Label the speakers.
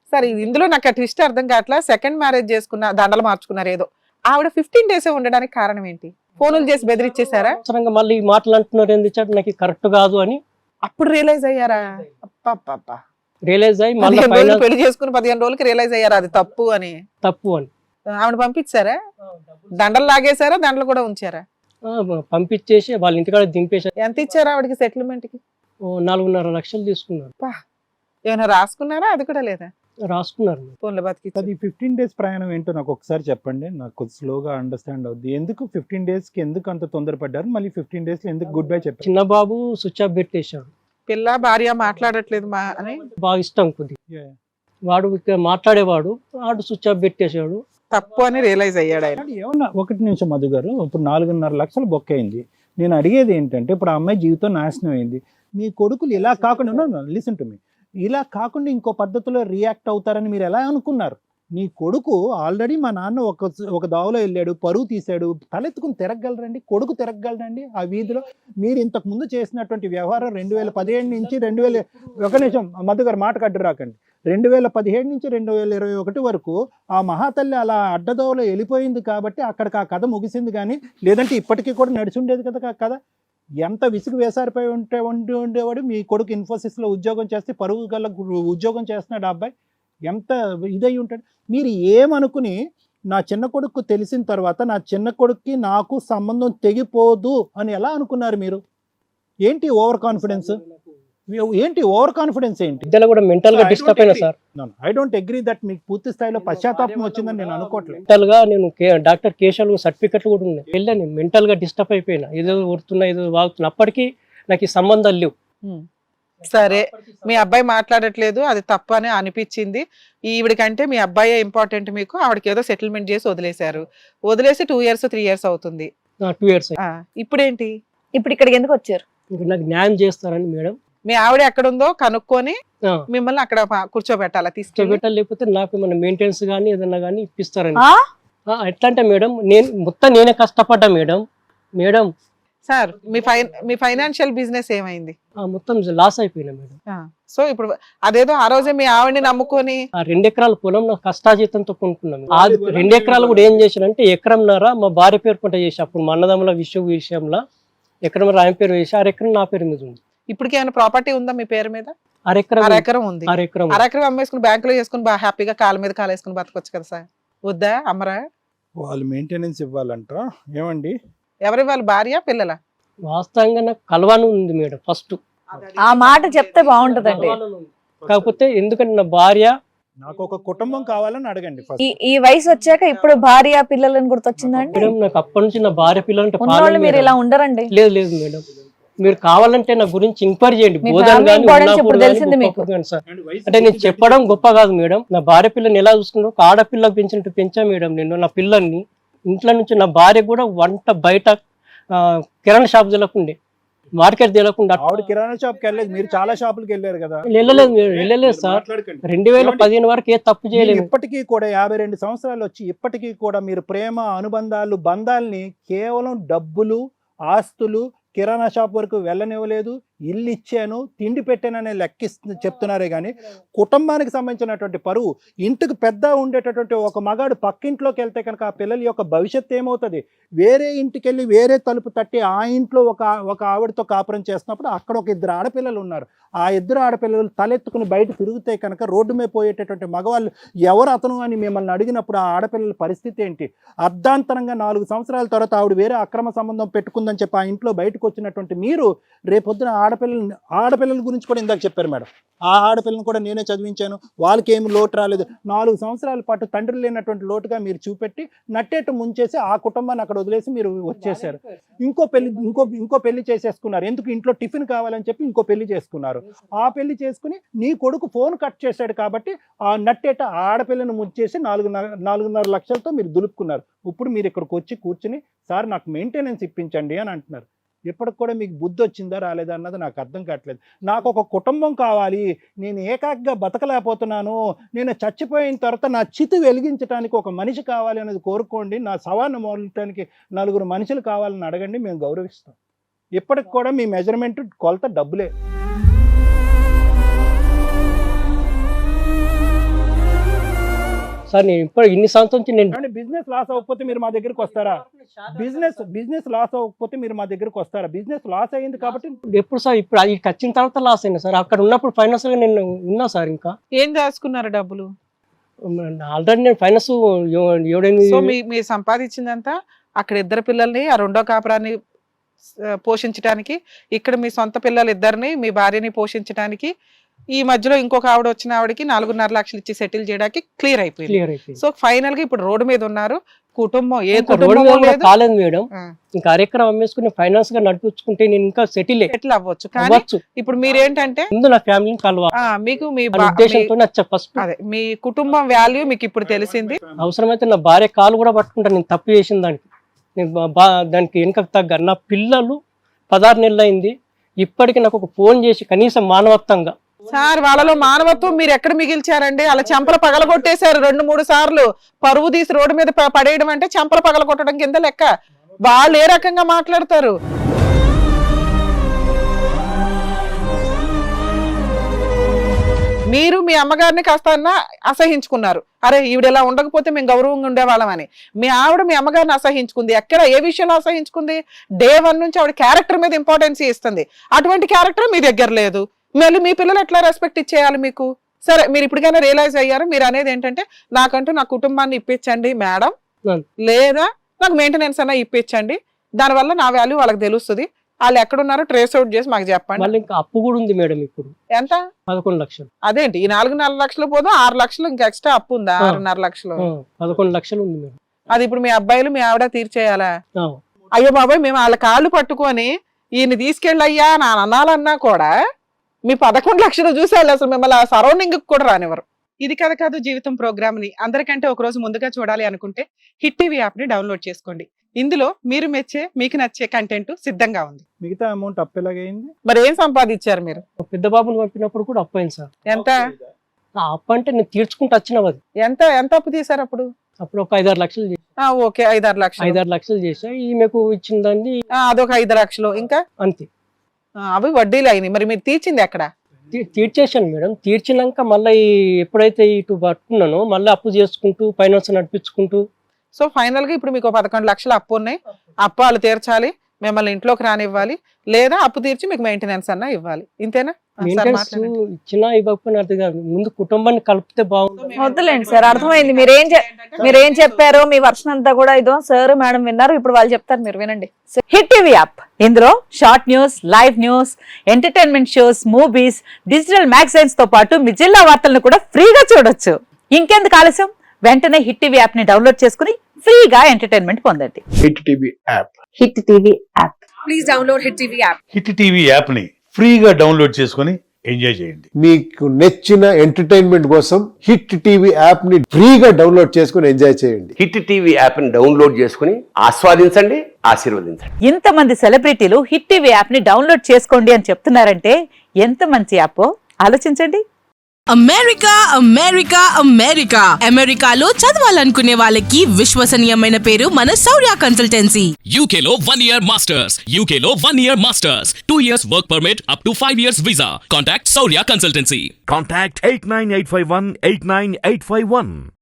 Speaker 1: సరే ఇందులో నాకు ట్విస్ట్ అర్థం కావట్లా. సెకండ్ మ్యారేజ్ చేసుకున్న, దండలు మార్చుకున్నారు ఏదో. ఆవిడ 15 days ఉండడానికి కారణం ఏంటి? ఫోనులు చేసి బెదిరించేశారా?
Speaker 2: అవసరంగా మళ్ళీ ఈ మాటలు అంటున్నారు ఎందుకు నాకు కరెక్ట్ కాదు అని
Speaker 1: అప్పుడు రియలైజ్ అయ్యారా?
Speaker 2: రియలైజ్ అయ్యి మళ్ళీ
Speaker 1: 15 రోజులు పెళ్లి చేసుకుని 15 రోజులకి రియలైజ్ అయ్యారా అది తప్పు అని?
Speaker 2: తప్పు అని
Speaker 1: ఆవిడ పంపించారా? దండలు లాగేశారా? దండలు కూడా ఉంచారా?
Speaker 2: పంపించేసి వాళ్ళ ఇంటికాడ దింపేశారు.
Speaker 1: ఎంత ఇచ్చారా ఆవిడకి సెటిల్మెంట్ కి?
Speaker 2: 4.5 లక్షలు తీసుకున్నారు.
Speaker 1: ఏమైనా రాసుకున్నారా? అది కూడా లేదా?
Speaker 2: రాసుకున్నారు.
Speaker 1: ఫోన్లో బతికి.
Speaker 3: అది 15 days ప్రయాణం ఏంటో నాకు ఒకసారి చెప్పండి, నాకు కొంచెం స్లోగా అండర్స్టాండ్ అవుద్ది. ఎందుకు 15 days కి ఎందుకు అంత తొందరపడ్డారు? మళ్ళీ 15 days లో ఎందుకు గుడ్ బై చెప్పారు?
Speaker 2: చిన్న బాబు స్విచ్ ఆఫ్ పెట్టేశాడు.
Speaker 1: పిల్ల భార్య మాట్లాడట్లేదు మా అని
Speaker 2: బాగా ఇష్టం కొద్దిగా, వాడు ఇక్కడ మాట్లాడేవాడు, వాడు స్విచ్ ఆఫ్ పెట్టేశాడు.
Speaker 1: తప్పు అని రియలైజ్ అయ్యాడు ఆయన.
Speaker 3: ఏమన్నా 1 నిమిషం మధు గారు, ఇప్పుడు 4.5 లక్షలు బొక్క అయింది. నేను అడిగేది ఏంటంటే, ఇప్పుడు ఆ అమ్మాయి జీవితం నాశనం అయింది. మీ కొడుకులు ఇలా కాకుండా లిసన్ టు మీ, ఇలా కాకుండా ఇంకో పద్ధతిలో రియాక్ట్ అవుతారని మీరు ఎలా అనుకున్నారు? నీ కొడుకు ఆల్రెడీ మా నాన్న ఒక దావలో వెళ్ళాడు, పరువు తీశాడు, తలెత్తుకుని తిరగలరండి? కొడుకు తిరగలరండి ఆ వీధిలో? మీరు ఇంతకు ముందు చేసినటువంటి వ్యవహారం 2017 నుంచి 1 నిమిషం మధు గారు మాట కడ్డు రాకండి, 2017 నుంచి 2021 వరకు ఆ మహాతల్లి అలా అడ్డదోవలో వెళ్ళిపోయింది కాబట్టి అక్కడికి ఆ కథ ముగిసింది. కానీ లేదంటే ఇప్పటికీ కూడా నడిచి ఉండేది కదా కథ. ఎంత విసుగు వేసారిపోయి ఉండేవాడు. మీ కొడుకు ఇన్ఫోసిస్లో ఉద్యోగం చేస్తే పరువు గల ఉద్యోగం చేస్తున్నాడు ఆ అబ్బాయి. ఎంత ఇదై ఉంటాడు. మీరు ఏమనుకుని నా చిన్న కొడుకు తెలిసిన తర్వాత నా చిన్న కొడుక్కి నాకు సంబంధం తెగిపోదు అని ఎలా అనుకున్నారు మీరు? ఏంటి ఓవర్ కాన్ఫిడెన్స్? ఏంటి ఓవర్ కాన్ఫిడెన్స్? ఏంటి
Speaker 2: ఇద్దరు కూడా మెంటల్ గా డిస్టర్బ్ అయినా sir.
Speaker 3: I don't agree that మీకు పూర్తి స్థాయిలో పశ్చాత్తాపం వచ్చిందని నేను అనుకోవట్లేదు.
Speaker 2: మెంటల్ గా నేను డాక్టర్ కేశాలు సర్టిఫికెట్లు కూడా ఉన్నాయి. వెళ్ళాను, మెంటల్ గా డిస్టర్బ్ అయిపోయినా, ఏదో ఊరుతున్నా ఏదో వాగుతున్నా. అప్పటికి నాకు ఈ సంబంధాలు లేవు.
Speaker 1: సరే, మీ అబ్బాయి మాట్లాడట్లేదు, అది తప్పు అని అనిపించింది. ఈవిడికంటే మీ అబ్బాయే ఇంపార్టెంట్ మీకు. ఆవిడకి ఏదో సెటిల్మెంట్ చేసి వదిలేశారు. వదిలేసి 2 years 3 years అవుతుంది.
Speaker 2: 2 years.
Speaker 1: ఇప్పుడేంటి?
Speaker 4: ఇప్పుడు ఇక్కడికి ఎందుకు వచ్చారు?
Speaker 2: నాకు న్యాయం చేస్తారని మేడం.
Speaker 1: మీ ఆవిడ ఎక్కడుందో కనుక్కొని మిమ్మల్ని అక్కడ కూర్చోబెట్టాలా? తీసుకెళ్ళి
Speaker 2: లేకపోతే నాకు ఏమైనా మెయింటెనెన్స్ కానీ ఏదన్నా కానీ ఇప్పిస్తారని. ఎట్లా అంటే మేడం, నేనే కష్టపడ్డా మేడం.
Speaker 1: సార్, మీ ఫైనాన్షియల్ బిజినెస్ ఏమైంది?
Speaker 2: మొత్తం లాస్ అయిపోయినా మేడం.
Speaker 1: సో ఇప్పుడు అదేదో ఆ రోజే మీ ఆవిడని నమ్ముకొని
Speaker 2: 2 ఎకరాల పొలం నా కష్టాజీతంతో కొనుక్కున్నాను. ఆ 2 ఎకరాలు కూడా ఏం చేశానంటే, ఎకరంన్నర మా భార్య పేరు పంట చేసి, అప్పుడు మా అన్నదమ్ముల విషయంలో ఎకరం ఆయన పేరు వేసి 1/2 ఎకరం నా పేరు మీద ఉంది.
Speaker 1: ఇప్పటికి ఏమైనా ప్రాపర్టీ ఉందా మీ పేరు మీద?
Speaker 2: 1/2 ఎకరం
Speaker 1: ఉంది.
Speaker 2: 1/2
Speaker 1: ఎకరం అమ్మేసుకుని బ్యాంకులో చేసుకుని బాగా హ్యాపీగా కాళ్ళ మీద కాలేసుకుని బతకొచ్చు కదా సార్. వద్దా? అమ్మరా?
Speaker 3: వాళ్ళు మెయింటెనెన్స్ ఇవ్వాలంట. ఏమండి,
Speaker 1: ఎవరి వాళ్ళు? భార్య పిల్లల?
Speaker 2: వాస్తవంగా నాకు కలవాను ఉంది మేడం. ఫస్ట్
Speaker 4: ఆ మాట చెప్తే బాగుంటదండి.
Speaker 2: కాకపోతే ఎందుకంటే నా భార్య,
Speaker 3: నాకు ఒక కుటుంబం కావాలని అడగండి ఫస్ట్.
Speaker 4: ఈ వయసు వచ్చాక ఇప్పుడు భార్య పిల్లలని గుర్తొచ్చిందండి?
Speaker 2: మేడం నాకు అప్పటి నుంచి నా భార్య పిల్లలంటే
Speaker 4: ఉన్నవాళ్ళు మీరు ఇలా ఉండరండి.
Speaker 2: లేదు మేడం, మీరు కావాలంటే నా గురించి ఎంక్వైరీ చేయండి. అంటే నేను చెప్పడం గొప్ప కాదు మేడం. నా భార్య పిల్లని ఎలా చూసుకున్నా, ఒక ఆడపిల్లకు పెంచినట్టు పెంచా మేడం నేను నా పిల్లల్ని. ఇంట్లో నుంచి నా భార్య కూడా వంట బయట కిరాణా షాప్ తెలకుండే, మార్కెట్ తెలకుండా.
Speaker 3: ఆవిడ కిరాణా షాప్కి వెళ్ళలేదు, మీరు చాలా షాపులకి వెళ్ళారు కదా?
Speaker 2: వెళ్ళలేదు సార్. 2015 వరకు ఏ తప్పు చేయలేదు.
Speaker 3: ఇప్పటికీ కూడా 52 సంవత్సరాలు వచ్చి ఇప్పటికీ కూడా మీరు ప్రేమ, అనుబంధాలు, బంధాలని కేవలం డబ్బులు, ఆస్తులు, కిరాణా షాప్ వరకు వెళ్ళనివ్వలేదు. ఇల్లు ఇచ్చాను, తిండి పెట్టాననే చెప్తున్నారే కానీ కుటుంబానికి సంబంధించినటువంటి పరువు, ఇంటికి పెద్ద ఉండేటటువంటి ఒక మగాడు పక్కింట్లోకి వెళ్తే కనుక ఆ పిల్లల యొక్క భవిష్యత్తు ఏమవుతుంది? వేరే ఇంటికి వెళ్ళి వేరే తలుపు తట్టి ఆ ఇంట్లో ఒక ఆవిడతో కాపురం చేస్తున్నప్పుడు అక్కడ ఒక 2 ఆడపిల్లలు ఉన్నారు. ఆ 2 ఆడపిల్లలు తలెత్తుకుని బయట తిరిగితే కనుక రోడ్డు మీద పోయేటటువంటి మగవాళ్ళు ఎవరు అతను అని మిమ్మల్ని అడిగినప్పుడు ఆ ఆడపిల్లల పరిస్థితి ఏంటి? అర్ధాంతరంగా 4 సంవత్సరాల తర్వాత ఆవిడ వేరే అక్రమ సంబంధం పెట్టుకుందని చెప్పి ఆ ఇంట్లో బయటకు వచ్చినటువంటి మీరు రేపొద్దున ఆడపిల్లల గురించి కూడా ఇందాక చెప్పారు మేడం. ఆ ఆడపిల్లని కూడా నేనే చదివించాను, వాళ్ళకి ఏమి లోటు రాలేదు. 4 సంవత్సరాల పాటు తండ్రి లేనటువంటి లోటుగా మీరు చూపెట్టి నట్టేట్టు ముంచేసి ఆ కుటుంబాన్ని అక్కడ వదిలేసి మీరు వచ్చేసారు. ఇంకో పెళ్లి చేసేసుకున్నారు. ఎందుకు? ఇంట్లో టిఫిన్ కావాలని చెప్పి ఇంకో పెళ్లి చేసుకున్నారు. ఆ పెళ్లి చేసుకుని నీ కొడుకు ఫోన్ కట్ చేశాడు కాబట్టి ఆ నట్టేట ఆడపిల్లను ముంచేసి 4.5 లక్షలతో మీరు దులుపుకున్నారు. ఇప్పుడు మీరు ఇక్కడికి వచ్చి కూర్చుని సార్ నాకు మెయింటెనెన్స్ ఇప్పించండి అని అంటున్నారు. ఇప్పటికి కూడా మీకు బుద్ధి వచ్చిందా రాలేదా అన్నది నాకు అర్థం కావట్లేదు. నాకు ఒక కుటుంబం కావాలి, నేను ఏకాగ్గా బతకలేకపోతున్నాను, నేను చచ్చిపోయిన తర్వాత నా చితి వెలిగించడానికి ఒక మనిషి కావాలి అనేది కోరుకోండి. నా సవాన్ని మోడటానికి 4 మనుషులు కావాలని అడగండి, మేము గౌరవిస్తాం. ఇప్పటికి కూడా మీ మెజర్మెంట్ కొలత డబ్బులే.
Speaker 2: సార్ నేను ఇప్పుడు ఇన్ని సంవత్సరం నుంచి నేను
Speaker 3: బిజినెస్ లాస్ అవ్వకపోతే మీరు మా దగ్గరికి వస్తారా? బిజినెస్ లాస్ అవ్వకపోతే మీరు మా దగ్గరికి వస్తారా? బిజినెస్ లాస్ అయ్యింది కాబట్టి
Speaker 2: ఎప్పుడు సార్ ఇప్పుడు అది వచ్చిన తర్వాత లాస్ అయినా సార్. అక్కడ ఉన్నప్పుడు ఫైనాన్స్ గా నేను ఉన్నా సార్. ఇంకా
Speaker 1: ఏం దాచుకున్నారు డబ్బులు?
Speaker 2: ఆల్రెడీ నేను ఫైనాన్స్
Speaker 1: సో మీరు సంపాదించిందంతా అక్కడ ఇద్దరు పిల్లల్ని, ఆ రెండో కాపురాన్ని పోషించడానికి, ఇక్కడ మీ సొంత పిల్లలు ఇద్దరిని, మీ భార్యని పోషించడానికి, ఈ మధ్యలో ఇంకొక ఆవిడ వచ్చిన ఆవిడకి 4.5 లక్షలు ఇచ్చి సెటిల్ చేయడానికి క్లియర్ అయిపోయింది.
Speaker 2: క్లియర్ అయిపోయింది.
Speaker 1: సో ఫైనల్ గా ఇప్పుడు రోడ్డు మీద ఉన్నారు. కుటుంబం ఏ
Speaker 2: రోడ్డు
Speaker 1: కుటుంబం
Speaker 2: మీద
Speaker 1: లేదు,
Speaker 2: కాలేదు మేడం. ఇంకా అరెకరం అమ్మేసుకుని ఫైనాన్స్ గా నడిపించుకుంటే నేను ఇంకా సెటిల్
Speaker 1: సెటిల్ అవ్వచ్చు. కానీ
Speaker 2: అవ్వచ్చు.
Speaker 1: ఇప్పుడు మీరేంటంటే
Speaker 2: ముందు నా ఫ్యామిలీని కలవాలి
Speaker 1: మీకు మీ
Speaker 2: ఉద్దేశంతో ఫస్ట్
Speaker 1: అదే మీ కుటుంబం వాల్యూ మీకు ఇప్పుడు తెలిసింది.
Speaker 2: అవసరమైతే నా భార్య కాలు కూడా పట్టుకుంటాను నేను తప్పు చేసిన దానికి. నేను దానికి వెనుకకు తగ్గ నా పిల్లలు 16 నెలలు అయింది. ఇప్పటికీ నాకు ఒక ఫోన్ చేసి కనీసం మానవత్వంగా
Speaker 1: సార్ వాళ్ళలో మానవత్వం మీరు ఎక్కడ మిగిల్చారండి? అలా చెంపలు పగలగొట్టేశారు 2-3 సార్లు. పరువు తీసి రోడ్డు మీద పడేయడం అంటే చెంపలు పగలగొట్టడం కింద లెక్క. వాళ్ళు ఏ రకంగా మాట్లాడతారు? మీరు మీ అమ్మగారిని కాస్త అసహించుకున్నారు. అరే ఈవిడ ఇలా ఉండకపోతే మేము గౌరవంగా ఉండేవాళ్ళమని. మీ ఆవిడ మీ అమ్మగారిని అసహించుకుంది. ఎక్కడ ఏ విషయంలో అసహించుకుంది? Day 1 నుంచి ఆవిడ క్యారెక్టర్ మీద ఇంపార్టెన్స్ ఇస్తుంది. అటువంటి క్యారెక్టర్ మీ దగ్గర లేదు. మళ్ళీ మీ పిల్లలు ఎట్లా రెస్పెక్ట్ ఇచ్చేయాలి మీకు? సరే మీరు ఇప్పటికైనా రియలైజ్ అయ్యారు. మీరు అనేది ఏంటంటే నాకంటూ నా కుటుంబాన్ని ఇప్పించండి మేడం, లేదా నాకు మెయింటెనెన్స్ అన్నా ఇప్పించండి, దానివల్ల నా వాల్యూ వాళ్ళకి తెలుస్తుంది, వాళ్ళు ఎక్కడున్నారో ట్రేస్ అవుట్ చేసి మాకు చెప్పండి.
Speaker 2: మళ్ళీ ఇంకా అప్పు కూడా ఉంది మేడం. ఇప్పుడు
Speaker 1: ఎంత?
Speaker 2: 11 లక్షలు.
Speaker 1: అదేంటి ఈ 4.5 లక్షలు పోదు 6 లక్షలు ఇంకా ఎక్స్ట్రా అప్పు ఉందా? 6.5 లక్షలు
Speaker 2: 11 లక్షలు ఉంది మేడం.
Speaker 1: అది ఇప్పుడు మీ అబ్బాయిలు మీ ఆవిడ తీర్చేయాలా? అయ్యో బాబాయ్ మేము వాళ్ళ కాళ్ళు పట్టుకొని ఈయన తీసుకెళ్ళయ్యా నా అనాలన్నా కూడా మీ 11 లక్షలు చూసేయాలి. అసలు మిమ్మల్ని సరౌండింగ్ కూడా రానివ్వరు. ఇది కథ కాదు జీవితం ప్రోగ్రామ్ ని అందరికంటే ఒక రోజు ముందుగా చూడాలి అనుకుంటే హిట్ టీవీ యాప్ ని డౌన్లోడ్ చేసుకోండి. ఇందులో మీరు మెచ్చే మీకు నచ్చే కంటెంట్ సిద్ధంగా ఉంది.
Speaker 3: మిగతా అమౌంట్ అప్పు ఎలాగైంది?
Speaker 1: మరి ఏం సంపాదించారు మీరు?
Speaker 2: పెద్ద బాబుని పంపినప్పుడు కూడా అప్పు అయింది సార్.
Speaker 1: ఎంత?
Speaker 2: ఆ అప్పు అంటే నేను తీర్చుకుంటూ వచ్చినది.
Speaker 1: ఎంత ఎంత అప్పు తీసారు అప్పుడు?
Speaker 2: అప్పుడు ఒక 5-6 లక్షలు చేసి.
Speaker 1: ఓకే 5-6 లక్షలు.
Speaker 2: 5-6 లక్షలు చేసా. ఈమెకు ఇచ్చిన దాన్ని
Speaker 1: అదొక 5 లక్షలు. ఇంకా
Speaker 2: అంతే.
Speaker 1: అవి వడ్డీలు అయినాయి. మరి మీరు తీర్చింది ఎక్కడ?
Speaker 2: తీర్చేసాను మేడం. తీర్చినాక మళ్ళీ ఎప్పుడైతే ఇటు పట్టుకున్నానో మళ్ళీ అప్పు చేసుకుంటూ ఫైనాన్స్ నడిపించుకుంటూ.
Speaker 1: సో ఫైనల్ గా ఇప్పుడు మీకు 11 లక్షలు అప్పు ఉన్నాయి. అప్పు వాళ్ళు తీర్చాలి, మిమ్మల్ని ఇంట్లోకి రానివ్వాలి, లేదా అప్పు తీర్చి మీకు మెయింటెనెన్స్ అన్నా ఇవ్వాలి. ఇంతేనా?
Speaker 2: ఇచ్చినా ఇవ్వకపోయినా అర్థం కాదు. ముందు కుటుంబాన్ని కలిపితే బాగుంటుంది.
Speaker 4: వద్దులేండి సార్, అర్థమైంది. మీరేం చెప్పారో మీ వర్షన్ అంతా కూడా ఇదో సార్ మేడం విన్నారు. ఇప్పుడు వాళ్ళు చెప్తారు, మీరు వినండి. హిట్ టీవీ యాప్, ఇందులో short news, live news, entertainment shows, movies, digital magazines తో పాటు మీ జిల్లా వార్తలను కూడా ఫ్రీగా చూడొచ్చు. ఇంకెందుకు ఆలస్యం? వెంటనే హిట్ టీవీ యాప్ ని డౌన్లోడ్ చేసుకుని ఫ్రీగా ఎంటర్టైన్మెంట్ పొందండి.
Speaker 5: Hit TV app.
Speaker 4: Hit TV app.
Speaker 6: Please download Hit TV app.
Speaker 7: Hit TV app ని ఫ్రీగా డౌన్లోడ్ చేసుకొని ఎంజాయ్ చేయండి.
Speaker 5: మీకు నచ్చిన ఎంటర్టైన్మెంట్ కోసం హిట్ టీవీ యాప్ ని ఫ్రీగా డౌన్లోడ్ చేసుకొని ఎంజాయ్ చేయండి.
Speaker 8: హిట్ టీవీ యాప్ ని డౌన్లోడ్ చేసుకుని ఆస్వాదించండి, ఆశీర్వదించండి.
Speaker 4: ఇంతమంది సెలబ్రిటీలు హిట్ టీవీ యాప్ ని డౌన్లోడ్ చేసుకోండి అని చెప్తున్నారంటే ఎంత మంచి యాప్ ఆలోచించండి.
Speaker 6: అమెరికా అమెరికా అమెరికా అమెరికాలో చదవాలనుకునే వాళ్ళకి విశ్వసనీయమైన పేరు మన శౌర్య కన్సల్టెన్సీ.
Speaker 9: UK లో 1 year masters. UK లో 1 year masters. 2 years work permit up to 5 years visa. Contact Saurya Consultancy.
Speaker 10: Contact 89851 89851.